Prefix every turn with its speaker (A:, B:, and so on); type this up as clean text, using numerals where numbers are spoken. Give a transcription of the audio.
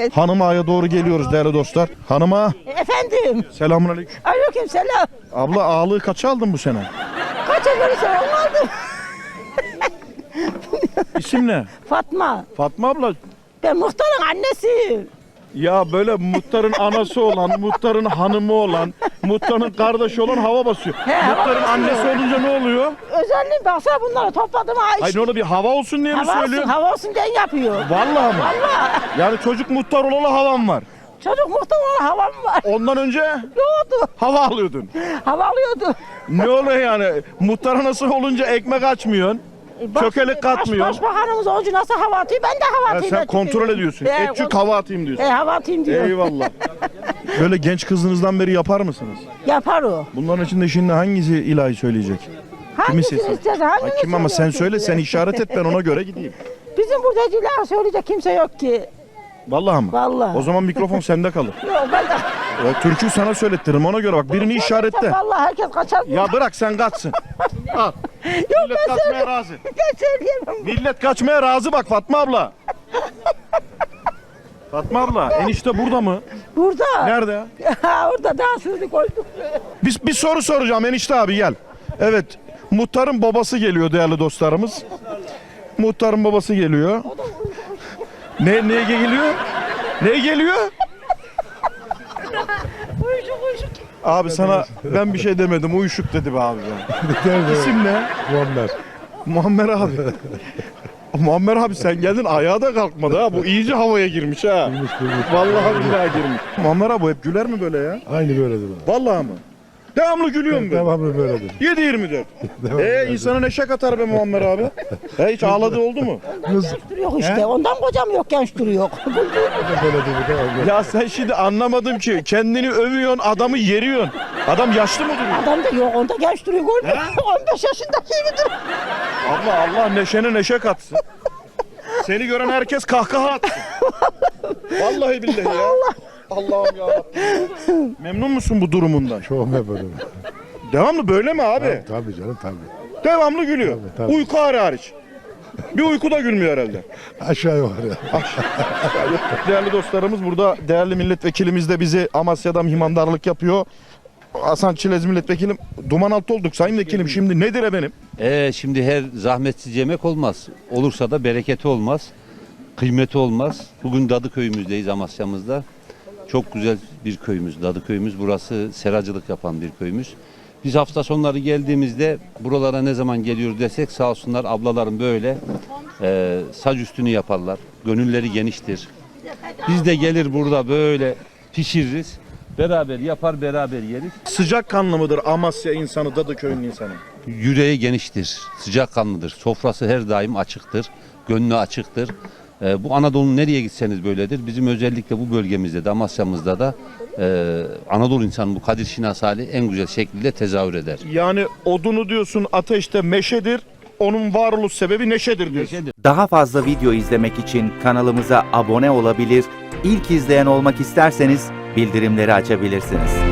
A: Evet.
B: Hanım Ağa'ya doğru geliyoruz değerli dostlar. Hanım Ağa.
A: Efendim.
B: Selamünaleyküm.
A: Aleyküm selam.
B: Abla ağalığı kaça aldın bu sene?
A: Kaça verirsen onu aldım.
B: İsim ne?
A: Fatma.
B: Fatma abla.
A: Ben muhtarın annesiyim.
B: Ya böyle muhtarın anası olan, muhtarın hanımı olan, muhtarın kardeşi olan hava basıyor.
A: He,
B: Muhtarın
A: hava
B: annesi
A: basıyor.
B: olunca ne oluyor?
A: Özelliğim baksana bunları topladım ha.
B: Hayır ne oluyor, bir hava olsun diye mi
A: Hava olsun,
B: söylüyorsun?
A: hava olsun diye yapıyor.
B: Vallahi mı?
A: Vallahi.
B: Yani çocuk muhtar olalı havam var.
A: Çocuk muhtar olan havam var.
B: Ondan önce
A: Yoğdu.
B: hava alıyordun.
A: Hava alıyordu.
B: Ne oluyor yani? Muhtar anası olunca ekmek açmıyorsun. Çökelik katmıyor.
A: Başbakanımız olunca nasıl hava atıyor? Ben de hava
B: Ha,
A: atayım.
B: sen kontrol ediyorsun. Etçük hava atayım diyorsun.
A: Hava atayım diyor.
B: Eyvallah. Böyle genç kızınızdan beri yapar mısınız?
A: Yapar o.
B: Bunların içinde şimdi hangisi ilahi söyleyecek?
A: Hangisini
B: sesi?
A: istersen,
B: Ha,
A: hangini
B: kim ama sen
A: söylüyorsun
B: söyle,
A: diye.
B: sen işaret et, ben ona göre gideyim.
A: Bizim burada cilağı söyleyecek kimse yok ki.
B: Vallahi mı?
A: Vallahi.
B: O zaman mikrofon sende kalır.
A: Yok ben de.
B: Türkü sana söylettiririm, ona göre bak, birini işaretle.
A: Vallahi herkes kaçar.
B: Ya bırak sen kaçsın. Al.
A: Yok
B: Millet kaçmaya razı.
A: Ben söyleyemem.
B: Millet kaçmaya razı bak Fatma abla. Fatma abla, enişte burada mı?
A: Burada.
B: Nerede?
A: Ha, orada daha sürü koyduk.
B: Bir soru soracağım enişte abi, gel. Evet, muhtarın babası geliyor değerli dostlarımız. Muhtarın babası geliyor. Neye geliyor? Neye geliyor?
A: Uyuşuk.
B: Abi sana ben bir şey demedim, uyuşuk dedi be abi ya. İsim ne?
C: Muammer.
B: Muammer abi. Muammer abi sen geldin, ayağa da kalkmadı ha. Bu iyice havaya girmiş ha.
C: Girmiş.
B: Vallahi billahi girmiş. Muammer abi hep güler mi böyle ya?
C: Aynı böyledir.
B: Vallahi mı? Devamlı gülüyor mu böyle?
C: Devamlı böyledir.
B: 7-24. İnsana neşe katar be Muammer abi. Hiç ağladığı oldu mu?
A: Genç duruyor işte. Ondan kocam yok, genç duruyor.
C: Böyledir bu da olur.
B: Ya sen şimdi anlamadım ki. Kendini övüyorsun, adamı yeriyorsun. Adam yaşlı mı duruyor?
A: Adam da yok, onda genç duruyor. Görmüyor musun? 15 yaşında gibi duruyor.
B: Allah neşene neşe katsın. Seni gören herkes kahkaha atsın. Vallahi billahi ya. Allah'ım yarabbim. Memnun musun bu durumundan?
C: Çok memnunum.
B: Devamlı böyle mi abi?
C: Tabii canım tabii.
B: Devamlı gülüyor.
C: Tabii.
B: Uyku hariç. Bir uykuda gülmüyor herhalde.
C: Aşağı yukarı.
B: Değerli dostlarımız, burada değerli milletvekilimiz de bizi Amasya'dan himandarlık yapıyor. Hasan Çilez milletvekilim. Duman altı olduk sayın vekilim. Şimdi nedir efendim?
D: Şimdi her zahmetsiz yemek olmaz. Olursa da bereketi olmaz. Kıymeti olmaz. Bugün Dadıköy'ümüzdeyiz, Amasya'mızda. Çok güzel bir köyümüz, Dadıköy'ümüz. Burası seracılık yapan bir köyümüz. Biz hafta sonları geldiğimizde buralara ne zaman geliyoruz desek sağ olsunlar ablalarım böyle sac üstünü yaparlar. Gönülleri geniştir. Biz de gelir burada böyle pişiririz. Beraber yapar, beraber yeriz.
B: Sıcak kanlı mıdır Amasya insanı, Dadıköy'ün insanı?
D: Yüreği geniştir, sıcakkanlıdır. Sofrası her daim açıktır, gönlü açıktır. Bu Anadolu'nun nereye gitseniz böyledir. Bizim özellikle bu bölgemizde de, Amasya'mızda da Anadolu insanı bu Kadir Şinas hali en güzel şekilde tezahür eder.
B: Yani odunu diyorsun ateşte meşedir, onun varoluş sebebi neşedir diyorsun.
E: Daha fazla video izlemek için kanalımıza abone olabilir, ilk izleyen olmak isterseniz bildirimleri açabilirsiniz.